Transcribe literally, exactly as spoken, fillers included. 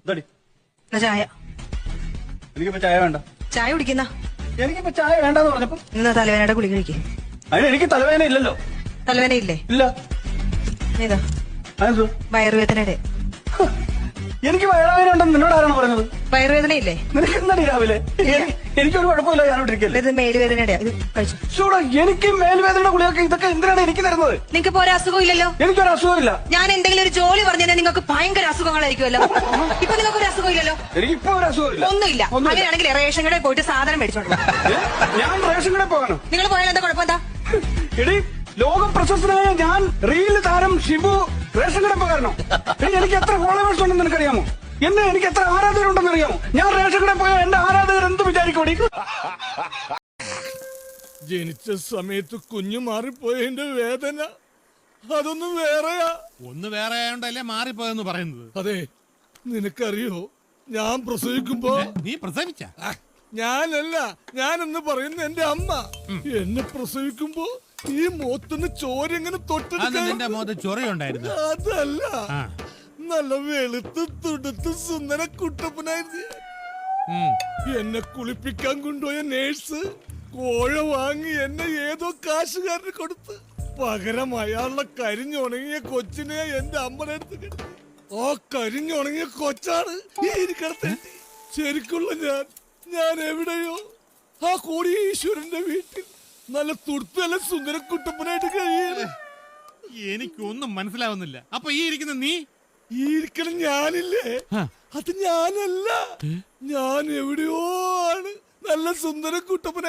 ഇതടി ചായ. എനിക്കിപ്പോ ചായ വേണ്ട. ചായ കുടിക്കുന്ന എനിക്കിപ്പോ ചായ വേണ്ടെന്ന് പറഞ്ഞപ്പോ ഇന്ന് തലവേനയുടെ ഗുളിക കഴിക്കേ. അതിന് എനിക്ക് തലവേദന ഇല്ലല്ലോ. തലവേന ഇല്ലേ? ഇല്ല. ഏതാ? അതെന്തോ വയറുവേദനയുടെ. എനിക്ക് വയറുവേദന ഉണ്ടെന്ന് നിന്നോട് ആരാണ് പറഞ്ഞത്? വയറുവേദന ഇല്ലേ? നിനക്ക് എന്താടി രാവിലെ? എനിക്കൊരു കുഴപ്പമില്ല, ഞാനോട്ടിരിക്കല്ലേ. ഇത് മേലുവേദനയുടെ. ഇത് കഴിച്ചു. ചൂടാ, എനിക്ക് മേൽവേദനയുടെ ഗുളിയൊക്കെ ഇതൊക്കെ എന്തിനാണ് എനിക്ക് തരുന്നത്? നിങ്ങൾക്ക് ഇപ്പൊ ഒരു അസുഖം ഇല്ലല്ലോ. എനിക്കൊരു അസുഖമില്ല. ഞാൻ എന്തെങ്കിലും ഒരു ജോലി പറഞ്ഞു കഴിഞ്ഞാൽ നിങ്ങൾക്ക് ഭയങ്കര അസുഖങ്ങളായിരിക്കുമല്ലോ. ഇപ്പൊ നിങ്ങൾക്ക് ഒരു അസുഖം ഇല്ലല്ലോ. എനിക്കിപ്പോ ഒരു അസുഖമില്ല. ഒന്നുമില്ല. അങ്ങനെയാണെങ്കിൽ റേഷൻ കടയിൽ പോയിട്ട് സാധനം മേടിച്ചോണ്ട് ഞാൻ റേഷൻ കടയിൽ പോകാനോ? നിങ്ങൾ പോയാൽ എന്താ കുഴപ്പം? എന്താ എടി, ലോക പ്രശസ്തനായ ഞാൻ റീൽ താരം ഷിബു റേഷൻ കടയിൽ പോകാനോ? എനിക്ക് എത്ര ഫോളോവേഴ്സ് ഉണ്ടെന്ന് നിനക്കറിയാമോ? എന്നെ എനിക്ക് എത്ര ആരാധകരുണ്ടെന്ന് അറിയാമോ? ഞാൻ റേഷൻ കടയിൽ പോയാൽ എന്റെ ആരാധകർ എന്ത് വിചാരിക്കൂടി? ജനിച്ച സമയത്ത് കുഞ്ഞു മാറിപ്പോയതിന്റെ വേദന അതൊന്നും വേറെയാ. ഒന്ന് വേറെ ആയോണ്ടല്ലേ മാറിപ്പോയെന്ന് പറയുന്നത്. അതെ, നിനക്കറിയോ, ഞാൻ പ്രസവിക്കുമ്പോ നീ പ്രസവിച്ച ഞാനല്ല, ഞാനെന്ന് പറയുന്ന എന്റെ അമ്മ എന്നെ പ്രസവിക്കുമ്പോ ഈ മുഖത്തുനിന്ന് ചോര എങ്ങനെ തൊട്ടെടുക്കാൻ. നിന്റെ മുഖത്ത് ചൊറയുണ്ടായിരുന്നു. അതല്ല, നല്ല വെളുത്ത് തുടുത്ത് സുന്ദര കുട്ടപ്പനായിരുന്നു. എന്നെ കുളിപ്പിക്കാൻ കൊണ്ടുപോയ നേഴ്സ് കോഴ വാങ്ങി എന്നെ ഏതോ കാശുകാരന് കൊടുത്ത് പകരം അയാളുടെ കരിഞ്ഞുണങ്ങിയ കൊച്ചിനെ എന്റെ അമ്മയുടെ അടുത്ത് കിടത്തി. ആ കരിഞ്ഞുണങ്ങിയ കൊച്ചാണ് ഈ ഇരിക്കടത്തെ. ശരിക്കുള്ള ഞാൻ ഞാൻ എവിടെയോ ആ കോടീശ്വരന്റെ വീട്ടിൽ നല്ല തുടുത്ത് നല്ല സുന്ദര കുട്ടപ്പനായിട്ട് കഴിയാണ്. എനിക്കൊന്നും മനസ്സിലാവുന്നില്ല. അപ്പൊ ഈ ഇരിക്കുന്ന നീ? ഈ ഇരിക്കണം ഞാനില്ലേ, അത് ഞാനല്ല. ഞാൻ എവിടെയോ ആണ് നല്ല സുന്ദര കുട്ടപ്പന.